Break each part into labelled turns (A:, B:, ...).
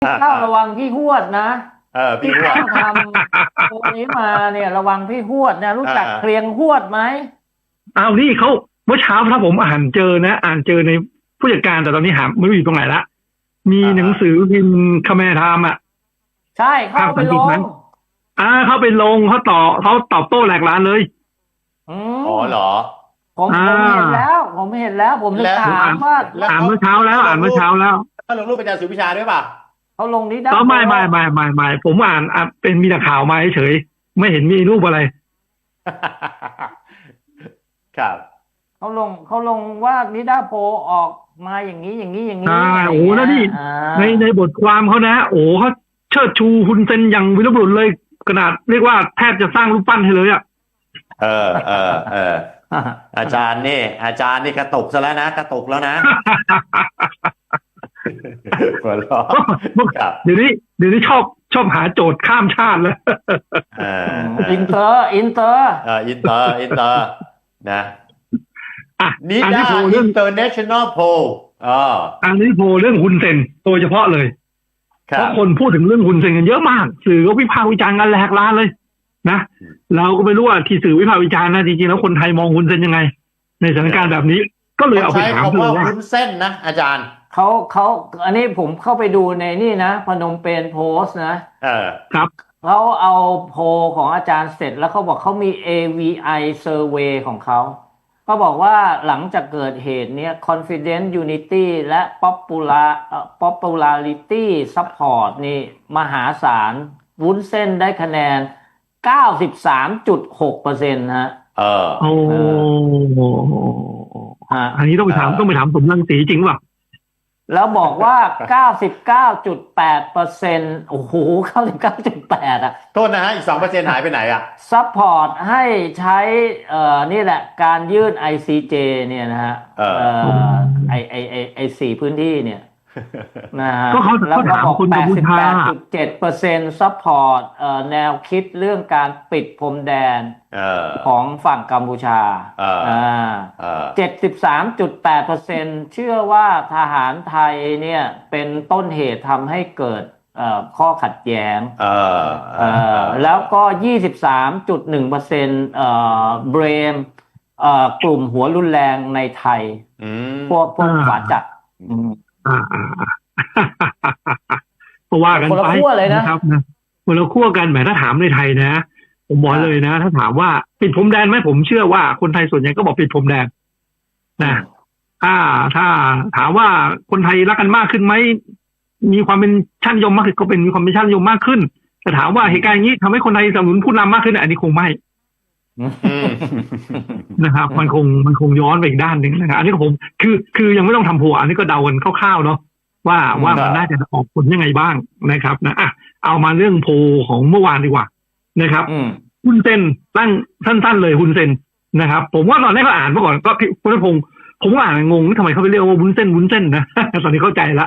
A: ข้าวระวังพี่หวดนะ
B: พี่หวด
A: พี่ข้าวทำตัวนี้มาเนี่ยระวังพี่หวดนะรู้จัก
B: อ่า
A: เคลียงหวดไหม
C: เอานี่เขาเมื่อเช้าถ้าผมอ่านเจอนะอ่านเจอในผู้จัดการแต่ตอนนี้หาไม่รู้อยู่ตรงไหนละมีหนังสือพิมพ์คแมร์ไทม์อ่ะ
A: ใช่เข้า
C: ภาค
A: ไปลง
C: สังกฤษนั้นเขาไปลงเขาตอบโต้แหลกลานเลย
A: อื
B: อ๋อ
A: ม
B: เหรอ
A: ผมถึง
B: แล้ว
A: ถา
C: ผมอ่าน
A: มว่า
B: แล้ว
C: อ่านเมื่อเช้าแล้วอ่านเมื่อเช้าแล้ว
B: เขาลงรูปเป็นอาจารย์สุวิชาด้วยป่ะ
A: เขาลงนิดา
C: ก็
A: โพ
C: ไม่ผมอ่านเป็นมีแต่ข่าวมาเฉยไม่เห็นมีรูปอะไร
B: ครับ
A: เขาลงว่านิดาโพออกมาอย่างนี้อะไร
C: โอ้
A: เงี้ย
C: แล้วนี่ในบทความเขานะโอ้เขาเชิดชูฮุนเซนอย่างวีรบุรุษเลยขนาดเรียกว่าแทบจะสร้างรูปปั้นให้เลยอ่ะ
B: เอออาจารย์นี่กระตุกซะแล้วนะกระตุกแล้วนะหัวเราะครับ
C: เดี๋ยวนี้ชอบหาโจทย์ข้ามชาติแล้ว
B: เออ
A: อินเตอร์
B: อินเตอร์นะ
C: อ่ะ
B: นิ
C: อันนี้
B: ด้า
C: โพลเรื่อง
B: International Poll อ๋อ
C: อันนี้โพลเรื่องฮุนเซนโดยเฉพาะเลย
B: ครั
C: เพราะ
B: บ
C: คนพูดถึงเรื่องฮุนเซนกันเยอะมากสื่อก็วิพากษ์วิจารณ์กันแหลกลานเลยนะเราก็ไม่รู้ว่าที่สื่อวิพากษ์วิจารณ์นะจริงๆแล้วคนไทยมองฮุนเซนยังไงในสถานการณ์แบบนี้ก็เลยเอาไป
B: ใช้
C: ถามเธ
B: คำว่า
C: อว่า
B: วุ้นเส้นนะอาจารย์
A: เขาอันนี้ผมเข้าไปดูในนี่นะพนมเปญโพสต์นะ
B: เออ
C: ครับ
A: เขาเอาโพลของอาจารย์เสร็จแล้วเขาบอกเขามี AVI survey ของเขาบอกว่าหลังจากเกิดเหตุเนี้ย confidence unity และ popularity support นี่มหาศาลวุ้นเส้นได้คะแนน 93.6%ฮะ
B: เออ
C: โอ้
A: ฮะ
C: อันนี้ต้องไปถามสมรังสีจริงป่ะ
A: แล้วบอกว่า 99.8%โอ้โห99.8อ่ะ
B: โทษนะฮะอีก2%หายไปไหนอ่ะ
A: ซัพพอร์ตให้ใช้นี่แหละการยื่น ICJ เนี่ยนะฮะไอสี่พื้นที่เนี่ยนะฮะ
C: ก็เขา
A: แล้วก็
C: ถาม
A: บอก
C: คนกัมพูชา
A: 88.7%ซัพพอร์ตแนวคิดเรื่องการปิดพรมแดน
B: เออ
A: ของฝั่งกัมพูชา
B: เออ
A: 73.8%เชื่อว่าทหารไทยเนี่ยเป็นต้นเหตุทำให้เกิดข้อขัดแย้งแล้วก็23.1%เบรมกลุ่มหัวรุนแรงในไทยพวกขวาจัด
C: ก็ว่ากัน
A: คนละ
C: ไป
A: ขั้วเลย
C: นะครับนะคนละขั้วกันแหมถ้าถามในไทยนะผมบอกเลยนะถ้าถามว่าปิดพรมแดนไหมผมเชื่อว่าคนไทยส่วนใหญ่ก็บอกปิดพรมแดนนะถ้าถามว่าคนไทยรักกันมากขึ้นไหมมีความเป็นชาตินิยมมากขึ้นก็เป็นมีความเป็นชาตินิยมมากขึ้นแต่ถามว่าเหตุการณ์อย่างนี้ทำให้คนไทยสนับสนุนผู้นำมากขึ้นอันนี้คงไม่นะครับมันคงย้อนไปอีกด้านหนึ่งนะครับอันนี้ก็ผมคือยังไม่ต้องทำโพลอันนี้ก็เดากันคร่าวๆเนาะว่ามันน่าจะออกผลยังไงบ้างนะครับนะเอามาเรื่องโพลของเมื่อวานดีกว่านะครับฮุนเซนตั้งสั้นๆเลยฮุนเซนนะครับผมว่าตอนแรกก็อ่านเมื่อก่อนก็คุณพงศ์ผมก็อ่านงงทำไมเขาไปเรียกว่าวุ้นเส้นนะ ตอนนี้เข้าใจละ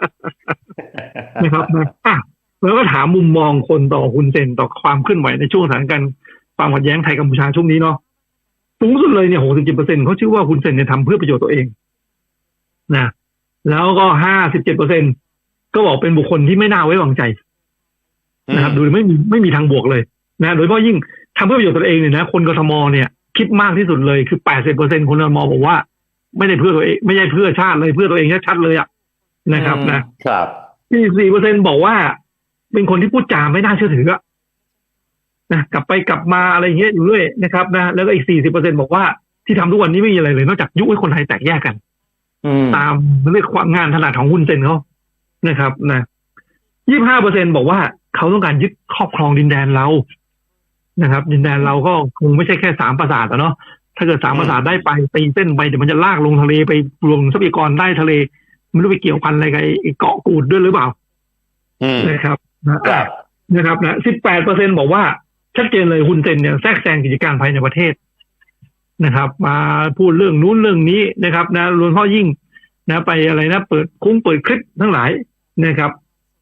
C: นะครับนะแล้วก็ถามมุมมองคนต่อฮุนเซนต่อความเคลื่อนไหวในช่วงสถานการณ์ความขัดแย้งไทยกัมพูชาช่วงนี้เนาะสูงสุดเลยเนี่ย67%เขาชื่อว่าฮุนเซนเนี่ยทำเพื่อประโยชน์ตัวเองนะแล้วก็57%ก็บอกเป็นบุคคลที่ไม่น่าไว้วางใจนะครับดูไม่มีทางบวกเลยนะโดยเฉพาะยิ่งทำเพื่อประโยชน์ตัวเองเนี่ยนะคนกทมเนี่ยคิดมากที่สุดเลยคือ80%คนกทมบอกว่าไม่ได้เพื่อตัวเองไม่ใช่เพื่อชาติเลยเพื่อตัวเองชัดๆเลยอ่ะนะครับนะครับ4%บอกว่าเป็นคนที่พูดจาไม่น่าเชื่อถือนะกลับไปกลับมาอะไรอย่างเงี้ยอยู่เรื่อยนะครับนะแล้วก็อีก40%บอกว่าที่ทำทุกวันนี้ไม่มีอะไรเลยนอกจากยุให้คนไทยแตกแยกกันตามเรื่องความงานถนัดของฮุนเซนเขานะครับนะ25%บอกว่าเขาต้องการยึดครอบครองดินแดนเรานะครับดินแดนเราก็คงไม่ใช่แค่3ปราสาทเนาะถ้าเกิด3ปราสาทได้ไปตีเส้นไปเดี๋ยวมันจะลากลงทะเลไปลงทรัพยากรใต้ทะเลไม่รู้ไปเกี่ยวพันอะไรกับเกาะกูดด้วยหรือเปล่านะครับนะครับนะ18%บอกว่าชัดเจนเลยฮุนเซนเนี่ยแทรกแซงกิจการภายในประเทศนะครับมาพูดเรื่องนู้นเรื่องนี้นะครับนะรวมทั้งยิ่งนะไปอะไรนะเปิดคลิปทั้งหลายนะครับ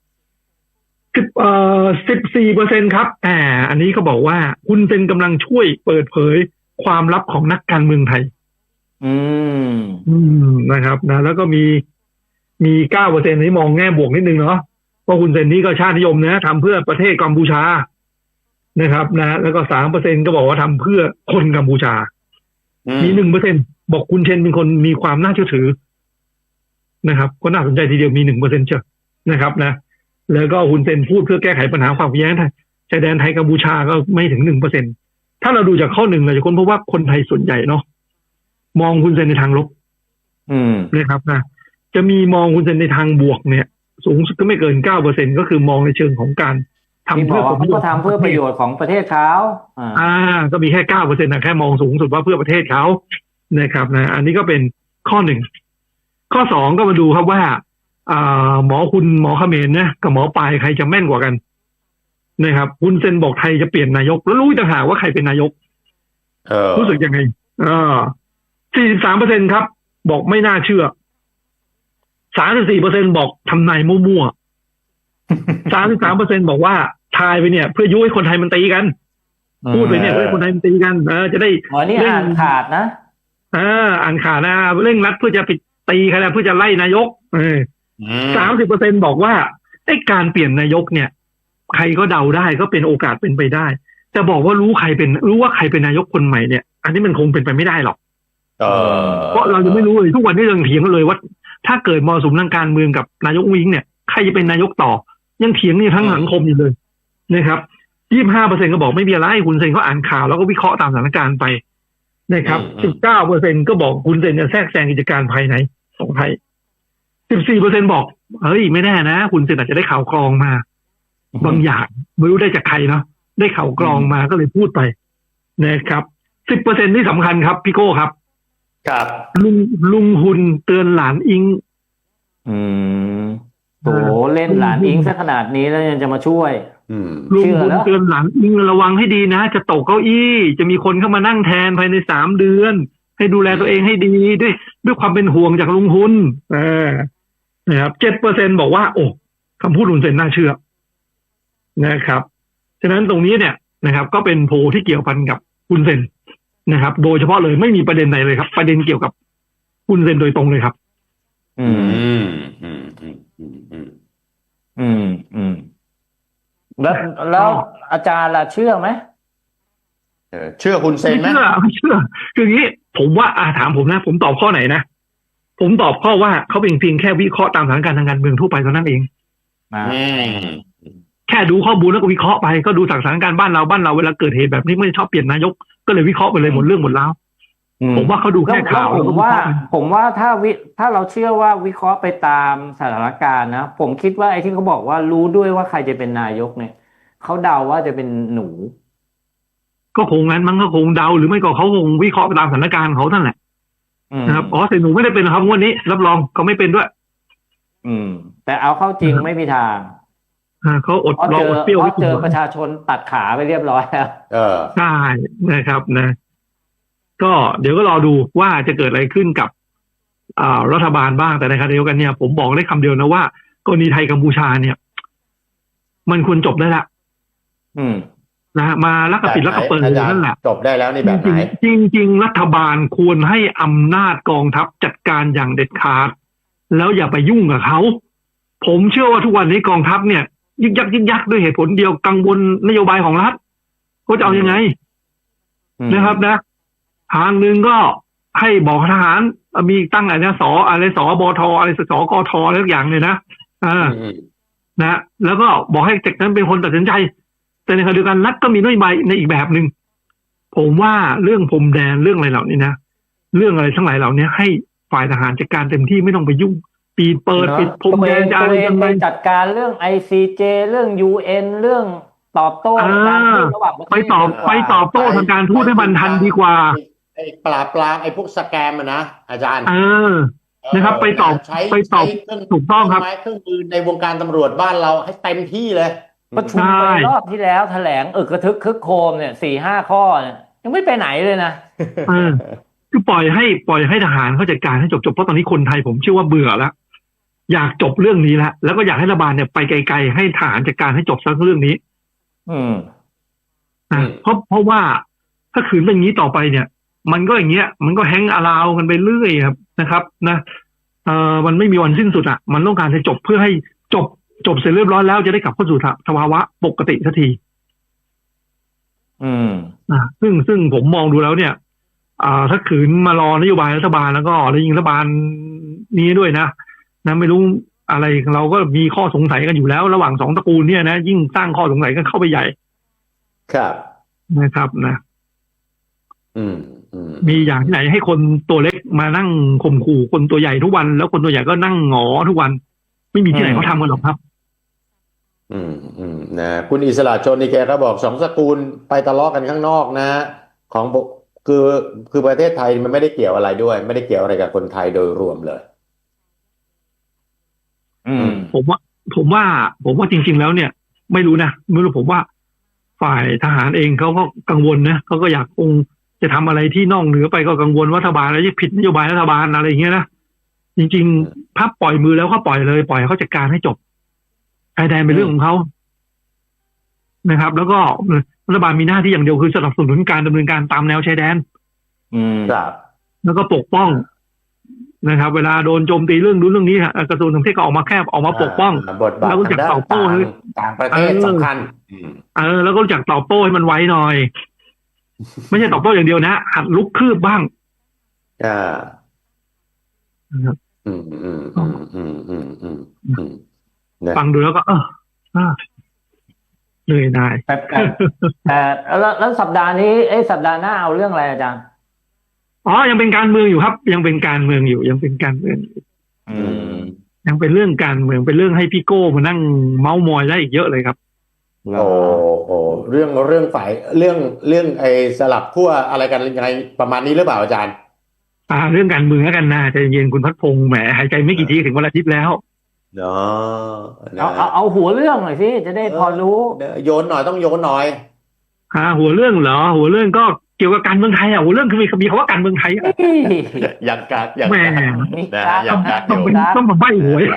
C: 14%ครับอันนี้เขาบอกว่าฮุนเซนกำลังช่วยเปิดเผยความลับของนักการเมืองไทยนะครับนะแล้วก็มี9%นี้มองแง่บวกนิดนึงเนาะเพราะคุณเซนนี่ก็ชาตินิยมนะทำเพื่อประเทศกัมพูชานะครับนะแล้วก็3%ก็บอกว่าทำเพื่อคนกัมพูชามี1%บอกคุณเชนเป็นคนมีความน่าเชื่อถือนะครับก็น่าสนใจทีเดียวมี1%เชียวนะครับนะแล้วก็คุณเซนพูดเพื่อแก้ไขปัญหาความขัดแย้งชายแดนไทยกัมพูชาก็ไม่ถึง1%ถ้าเราดูจากข้อหนึ่งเราจะค้นพบว่าคนไทยส่วนใหญ่เนาะมองคุณเซนในทางลบนะครับนะจะมีมองคุณเซนในทางบวกเนี่ยสูงสุดก็ไม่เกิน 9% ก็คือมองในเชิงของการทำเพื่อ
A: เขาก็ทำเพื่อประโยชน์ของประเทศเขา
C: ก็มีแค่ 9% นะแค่มองสูงสุดว่าเพื่อประเทศเขานะครับนะอันนี้ก็เป็นข้อหนึ่งข้อ2ก็มาดูครับว่าหมอเขมรนะกับหมอปลายใครจะแม่นกว่ากันนะครับคุณเซนบอกไทยจะเปลี่ยนนายกแล้วรู้ต่างหากว่าใครเป็นนายกรู้สึกยังไง43% ครับบอกไม่น่าเชื่อ34% บอกทำนายมั่วๆ33% บอกว่าทายไปเนี่ยเพื่อยุให้คนไทยมันตีกันพูดไปเนี่ยเพื่อคนไทยมันตีกันจะได้
A: นี่อ่านขาดนะ
C: อ่านขาดนะเร่งรัดเพื่อจะไปตีใครนะเพื่อจะไล่นายก30% บอกว่าไอ้การเปลี่ยนนายกเนี่ยใครก็เดาได้ก็เป็นโอกาสเป็นไปได้จะบอกว่ารู้ว่าใครเป็นนายกคนใหม่เนี่ยอันนี้มันคงเป็นไปไม่ได้หรอกเพราะเราจะไม่รู้เลยทุกวันนี้ยังเถียงกันเลยว่าถ้าเกิดมรสุมทางการเมืองกับนายกวิงเนี่ยใครจะเป็นนายกต่อยังเถียงนี่ทั้งสังคมอยู่เลยนะครับ 25% ก็บอกไม่มีอะไรคุณเซนเขาอ่านข่าวแล้วก็วิเคราะห์ตามสถานการณ์ไปนะครับ 19% ก็บอกคุณเซนจะแทรกแซงกิจการภายในของไทย 14% บอกเฮ้ยไม่แน่นะคุณเซนอาจจะได้ข่าวกรองมาบางอย่างไม่รู้ได้จากใครเนาะได้ข่าวกรองมาก็เลยพูดไปนะครับ 10% ที่สำคัญครับพี่โก้ครับลุงหุนเตือนหลานอิง
A: โอ้เล่นหลานอิงซะขนาดนี้แล้วยังจะมาช่วย
C: ลุงหุนเตือนหลานอิงระวังให้ดีนะจะตกเก้าอี้จะมีคนเข้ามานั่งแทนภายใน3 เดือนให้ดูแลตัวเองให้ดีด้วยความเป็นห่วงจากลุงหุนนะครับ 7% บอกว่าโอ้คำพูดลุงเซนน่าเชื่อนะครับฉะนั้นตรงนี้เนี่ยนะครับก็เป็นโพลที่เกี่ยวพันกับคุณเซนนะครับโดยเฉพาะเลยไม่มีประเด็นใดเลยครับประเด็นเกี่ยวกับคุณเซนโดยตรงเลยครับ
A: แล้วอาจารย์ล่ะเชื่อไหม
B: เชื่อคุณเซนไหม
C: ไม่เชื่อคืออย่างนี้ผมว่าถามผมนะผมตอบข้อไหนนะผมตอบข้อว่าเขาเป็นเพียงแค่วิเคราะห์ตามสถานการณ์ทางการเมืองทั่วไปเท่านั้นเองแค่ดูข้อมูลแล้วก็วิเคราะห์ไปก็ดูสถานการณ์บ้านเราเวลาเกิดเหตุแบบนี้ไม่ชอบเปลี่ยนนายกก็เลยวิเคราะห์ไปเลยหมดเรื่องหมดแล้วผมว่าเขาดูแค่ข่าว
A: ผมว่าถ้าเราเชื่อว่าวิเคราะห์ไปตามสถานการณ์นะผมคิดว่าไอ้ที่เขาบอกว่ารู้ด้วยว่าใครจะเป็นนายกเนี่ยเขาเดาว่าจะเป็นหนู
C: ก็คงงั้นมันก็คงเดาหรือไม่ก็เขาคงวิเคราะห์ไปตามสถานการณ์เขานั่นแหละนะครับแต่หนูไม่ได้เป็นครับงวดนี้รับรองเขาไม่เป็นด้วย
A: แต่เอาเข้าจริงไม่มีทาง
C: เขาอดรออดเปรี้ยว
A: เจอประชาชนตัดขาไปเรียบร้อยแล้ว
C: ใช่นะครับนะก็เดี๋ยวก็รอดูว่าจะเกิดอะไรขึ้นกับรัฐบาลบ้างแต่ในขณะเดียวกันเนี่ยผมบอกได้คำเดียวนะว่ากรณีไทยกัมพูชาเนี่ยมันควรจบได้ละนะมาลักกระปิดลักกระเปิดนั่นแหละ
B: จบได้แล้วนี่แบบไหน
C: จริงรัฐบาลควรให้อำนาจกองทัพจัดการอย่างเด็ดขาดแล้วอย่าไปยุ่งกับเขาผมเชื่อว่าทุกวันนี้กองทัพเนี่ยยึกยักด้วยเหตุผลเดียวกังวลนโยบายของรัฐเขาจะเอายังไงนะครับนะทางหนึ่งก็ให้บอกทหารมีตั้งอะไรนะสบทอะไรสกทอะไรทุกอย่างเลยนะนะแล้วก็บอกให้จากนั้นเป็นคนตัดสินใจแต่ในขณะเดียวกันรัฐก็มีนโยบายในอีกแบบหนึ่งผมว่าเรื่องพรมแดนเรื่องอะไรเหล่านี้นะเรื่องอะไรทั้งหลายเหล่านี้ให้ฝ่ายทหารจัดการเต็มที่ไม่ต้องไปยุ่งปิดพรมแดนจะอะไรกัน
A: ไปจัดการเรื่อง ICJ เรื่อง UN เรื่องตอบโต้การทูตระหว่างประเทศ
C: ไปตอบโต้ทางการทูตให้มันทันดีกว่า
B: ปราบไอ้พวกสแกมนะอาจารย์
C: นะครับไปตอบถูกต้องครับ
B: เครื่องมือในวงการตำรวจบ้านเราให้เต็มที่เลย
A: ประชุมไปรอบที่แล้วแถลงกระทึกคึกโครมเนี่ย 4-5 ข้อเนี่ยยังไม่ไปไหนเลยนะ
C: คือปล่อยให้ทหารเขาจัดการให้จบเพราะตอนนี้คนไทยผมเชื่อว่าเบื่อแล้วอยากจบเรื่องนี้แล้วก็อยากให้รัฐบาลเนี่ยไปไกลๆให้ทหารจัดการให้จบซะเรื่องนี้เพราะว่าถ้าขืนเป็นอย่างนี้ต่อไปเนี่ยมันก็อย่างเงี้ยมันก็แฮงอาราวกันไปเรื่อยครับนะครับนะมันไม่มีวันสิ้นสุดมันต้องการจะจบเพื่อให้จบจบเสร็จเรียบร้อยแล้วจะได้กลับเข้าสู่สภาวะปกติสักทีซึ่งผมมองดูแล้วเนี่ยถ้าขืนมารอนโยบายรัฐบาลแล้วก็แล้วยิ่งรัฐบาลนี้ด้วยนะไม่รู้อะไรเราก็มีข้อสงสัยกันอยู่แล้วระหว่างสองตระกูลเนี่ยนะยิ่งสร้างข้อสงสัยกันเข้าไปใหญ่
B: ครับ
C: นะครับนะมีอย่างที่ไหนให้คนตัวเล็กมานั่งข่มขู่คนตัวใหญ่ทุกวันแล้วคนตัวใหญ่ก็นั่งหงอทุกวันไม่มีที่ไหนเขาทำกันหรอกครับ
B: นะคุณอิสระชนนี่แกก็บอกสองตระกูลไปทะเลาะกันข้างนอกนะของคือประเทศไทยมันไม่ได้เกี่ยวอะไรด้วยไม่ได้เกี่ยวอะไรกับคนไทยโดยรวมเลย
C: ผมว่าจริงๆแล้วเนี่ยไม่รู้นะไม่รู้ผมว่าฝ่ายทหารเองเขาก็กังวลนะเขาก็อยากคงจะทำอะไรที่นอกเหนือไปก็กังวลว่ารัฐบาลอะไรจะผิดนโยบายรัฐบาลอะไรอย่างเงี้ยนะจริงๆพับปล่อยมือแล้วเขาปล่อยเลยปล่อยเขาจัดการให้จบชายแดนเป็นเรื่องของเขานะครับ แล้วก็รัฐบาลมีหน้าที่อย่างเดียวคือสนับสนุนการดำเนินการตามแนวชายแดน
B: ครับ
C: แล้วก็ปกป้องนะครับเวลาโดนโจมตีเรื่องนู้นเรื่องนี้กระทรวงต่างประเทศก็ออกมาปกป้อง
B: แล้วก็รู้จักตอบโต้ต่างประเทศสำคัญ
C: แล้วก็รู้จักตอบโต้ให้มันไวหน่อยไม่ใช่ตอบโต้อย่างเดียวนะหัดลุกคืบบ้างฟังดูแล้วก็เหนื่อยหน่าย
A: แต่แล้วสัปดาห์นี้สัปดาห์หน้าเอาเรื่องอะไรอาจารย์
C: ยังเป็นการเมืองอยู่ครับยังเป็นการเมืองอยู่ยังเป็นการเมืองยังเป็นเรื่องการเมืองเป็นเรื่องให้พี่โก้มานั่งเม้ามอยได้อีกเยอะเลยครับ
B: เรื่องฝ่ายเรื่องไอ้สลับขั้วอะไรกันยังไงประมาณนี้หรือเปล่าอาจารย์
C: เรื่องการเมืองแล้วกันนะใจเย็นคุณพัฒพงษ์แหมหายใจไม่กี่ทีถึงวันอาทิตย์แล้ว
A: เอาหัวเรื่องหน่อยสิจะได้พอรู้
B: โยนหน่อยต้องโยนหน่อย
C: หัวเรื่องเหรอหัวเรื่องก็เกี่ยวกับการเมืองไทยหัวเรื่องคือมีคำว่าการเมืองไทย
B: อย่างกากอย่าง
C: ต้องมาใบ้หวย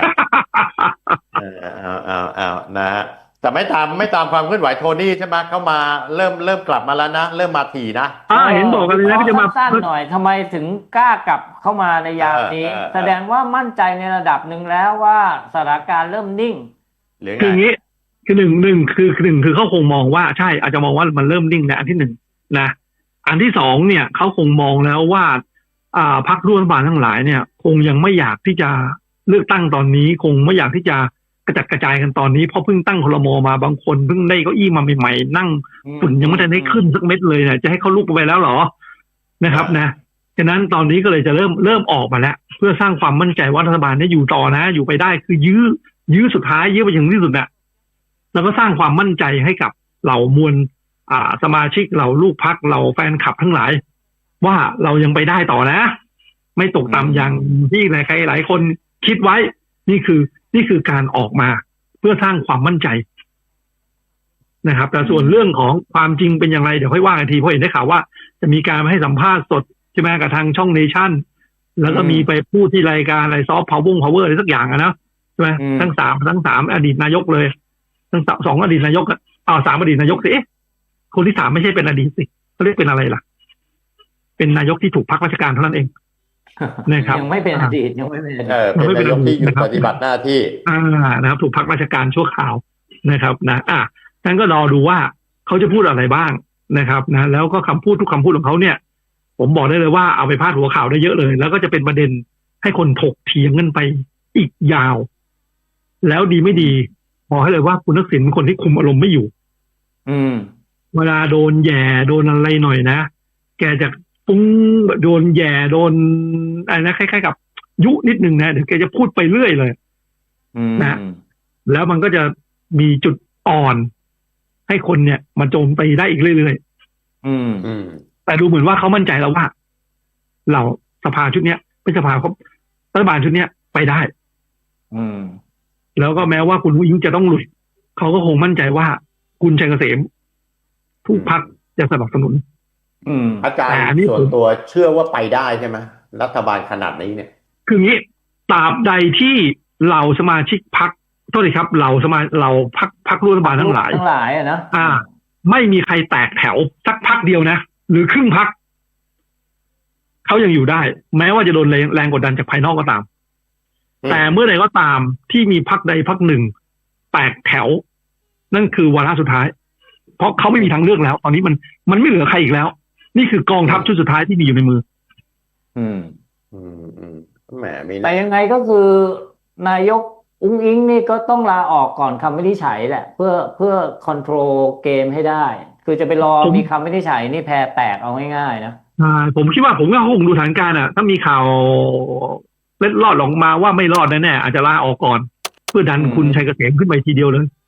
B: นะแต่ไม่ตามความเคลื่อนไหวโทนี่ใช่ไหมเข้ามาเริ่มกลับมาแล้วนะเริ่มมาถี่นะ
C: เห็นบอกกันเลยนะก็จะมา
A: สั้นหน่อยทำไมถึงกล้ากลับเข้ามาในยามนี้แสดงว่ามั่นใจในระดับหนึ่งแล้วว่าสถานการณ์เริ่มนิ่ง
C: คืออย่างนี้คือหนึ่งคือเขาคงมองว่าใช่อาจจะมองว่ามันเริ่มนิ่งนะอันที่หนึ่งนะอันที่สองเนี่ยเขาคงมองแล้วว่าพรรคร่วมรัฐบาลทั้งหลายเนี่ยคงยังไม่อยากที่จะเลือกตั้งตอนนี้คงไม่อยากที่จะกระจัดกระจายกันตอนนี้เพราะเพิ่งตั้งครม.มาบางคนเพิ่งได้เก้าอี้มาใหม่ๆนั่งฝุ่นยังไม่ทันได้ขึ้นสักเม็ดเลยเนี่ยจะให้เขาลุกไปแล้วหรอนะครับนะฉะนั้นตอนนี้ก็เลยจะเริ่มออกมาแล้วเพื่อสร้างความมั่นใจว่ารัฐบาลนี้อยู่ต่อนะอยู่ไปได้คือยื้อสุดท้ายยื้อไปอย่างที่สุดน่ะแล้วก็สร้างความมั่นใจให้กับเหล่ามวลสมาชิกเหล่าลูกพรรคเหล่าแฟนคลับทั้งหลายว่าเรายังไปได้ต่อนะไม่ตกต่ำอย่างที่ใครหลายคนคิดไว้นี่คือการออกมาเพื่อสร้างความมั่นใจนะครับแต่ส่วนเรื่องของความจริงเป็นอย่างไรเดี๋ยวค่อยว่ากันทีเพราะเห็นได้ข่าวว่าจะมีการให้สัมภาษณ์สดใช่ไหมกับทางช่องเนชั่นแล้วก็มีไปพูดที่รายการอะไรซอฟต์พาวเวอร์อะไรสักอย่างนะใช่ไหมทั้งสามอดีตนายกเลยทั้งสองอดีตนายกสามอดีตนายกสิคนที่สามไม่ใช่เป็นอดีตสิเขาเรียกเป็นอะไรล่ะเป็นนายกที่ถูกพักราชการเท่านั้นเองนะครับ
A: ยังไม่เป็นอดีตยังไม่เป็น
B: นายกที่อยู่ปฏิบัติหน้าที่
C: นะครับถูกพักราชการชั่วคราวนะครับนะท่านก็รอดูว่าเขาจะพูดอะไรบ้างนะครับนะแล้วก็คำพูดทุกคำพูดของเขาเนี่ยผมบอกได้เลยว่าเอาไปพาดหัวข่าวได้เยอะเลยแล้วก็จะเป็นประเด็นให้คนถกเถียงกันไปอีกยาวแล้วดีไม่ดีบอกให้เลยว่าคุณทักษิณเป็นคนที่คุมอารมณ์ไม่อยู่เวลาโดนแย่โดนอะไรหน่อยนะแกจะปุ้งโดนแย่โดนอะไรนะคล้ายๆกับยุนิดนึงนะเดี๋ยวแกจะพูดไปเรื่อยเลยนะแล้วมันก็จะมีจุดอ่อนให้คนเนี่ยมาโจมตีได้อีกเรื่อยๆแต่ดูเหมือนว่าเขามั่นใจแล้วว่าเราสภาชุดเนี้ยเป็นสภาเขารัฐบาลชุดเนี้ยไปได้แล้วก็แม้ว่าคุณอุ้งอิ๊งจะต้องหลุดเขาก็คงมั่นใจว่าคุณชัยเกษมทุกพรรคจะสนับสนุน
B: อาจารย์ส่วนตัวเชื่อว่าไปได้ใช่ไหมรัฐบาลขนาดนี้เนี่ย
C: คืองี้ตราบใดที่เหล่าสมาชิกพรรคโทษทีครับเหล่าพรรคร่วมรัฐบาลทั้งหลาย
A: นะ
C: ไม่มีใครแตกแถวสักพรรคเดียวนะหรือครึ่งพรรคเขายังอยู่ได้แม้ว่าจะโดนแรงกดดันจากภายนอกก็ตามแต่เมื่อใดก็ตามที่มีพรรคใดพรรคหนึ่งแตกแถวนั่นคือวาระสุดท้ายเพราะเขาไม่มีทางเลือกแล้วตอนนี้มันไม่เหลือใครอีกแล้วนี่คือกองทัพชุดสุดท้ายที่มีอยู่ในมือ
B: อืมแหมมี
A: แต่ยังไงก็คือนายกอุ้งอิงนี่ก็ต้องลาออกก่อนคำวินิจฉัยแหละเพื่อคอนโทรลเกมให้ได้คือจะไปรอมีคำวินิจฉัยนี่แพ้แตกเอาง่ายๆนะ
C: ผมคิดว่าผมก็คงดูสถานการณ์ถ้ามีข่าวเล็ดลอดออกมาว่าไม่รอดแน่ๆอาจจะลาออกก่อนเพื่อดันคุณชัยเกษมขึ้นไปทีเดียวเลย